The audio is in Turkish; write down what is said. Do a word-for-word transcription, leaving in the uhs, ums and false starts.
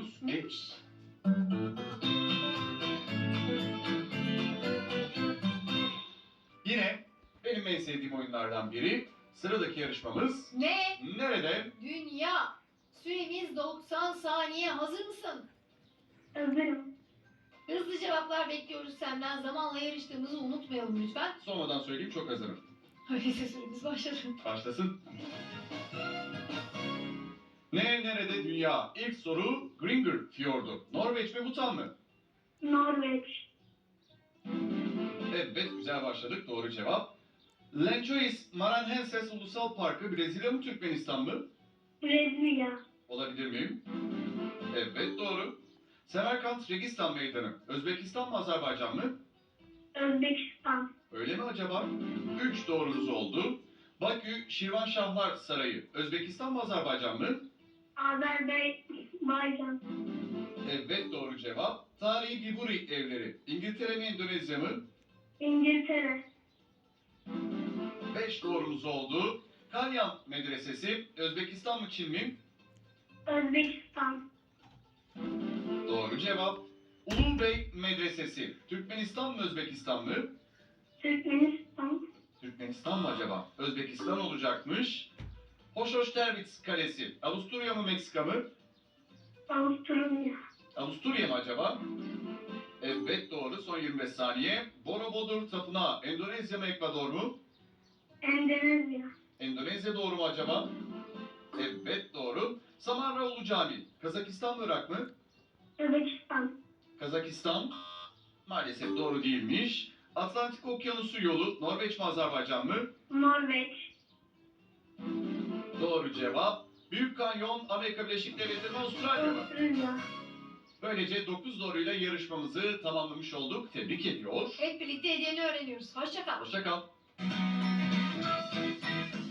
sorumuz. Neymiş? Yine benim en sevdiğim oyunlardan biri. Sıradaki yarışmamız Ne? nerede? Dünya. Süremiz doksan saniye. Hazır mısın? Hazırım. Hızlı cevaplar bekliyoruz senden. Zamanla yarıştığımızı unutmayalım lütfen. Sonradan söyleyeyim, çok hazırım. Öyleyse süremiz başladı. Başlasın. Ne nerede dünya? İlk soru Gringer Fiyordu. Norveç mi Bhutan mı? Norveç. Evet, güzel başladık. Doğru cevap. Lençois Maranhenses Ulusal Parkı Brezilya mı Türkmenistan mı? Brezilya. Olabilir miyim? Evet, doğru. Semerkant Registan Meydanı Özbekistan mı Azerbaycan mı? Özbekistan. Öyle mi acaba? Üç doğrunuz oldu. Bakü Şirvanşahlar Sarayı Özbekistan mı Azerbaycan mı? Azerbaycan. Evet, doğru cevap. Tarihi Biburi evleri İngiltere mi Endonezya mı? İngiltere. Beş doğrunuz oldu. Kalyan Medresesi Özbekistan mı Çin mi? Özbekistan. Doğru cevap. Ulubey Medresesi Türkmenistan mı Özbekistan mı? Türkmenistan. Türkmenistan mı acaba? Özbekistan olacakmış. Hoşoştervitz Kalesi Avusturya mı Meksika mı? Avusturya. Avusturya mı acaba? Evet, doğru. Son yirmi beş saniye. Borobudur Tapınağı Endonezya mı Ekvador mu? Endonezya. Endonezya doğru mu acaba? Evet, doğru. Samarraoğlu Camii Kazakistan mı Irak mı? Özbekistan. Kazakistan. Maalesef doğru değilmiş. Atlantik Okyanusu yolu Norveç mi Azerbaycan mı? Norveç. Doğru cevap. Büyük Kanyon Amerika Birleşik Devletleri mi Avustralya mı? Avusturya. Böylece dokuz doğruyla yarışmamızı tamamlamış olduk. Tebrik ediyor. Hep birlikte hediyeni öğreniyoruz. Hoşça kal. Hoşça kal.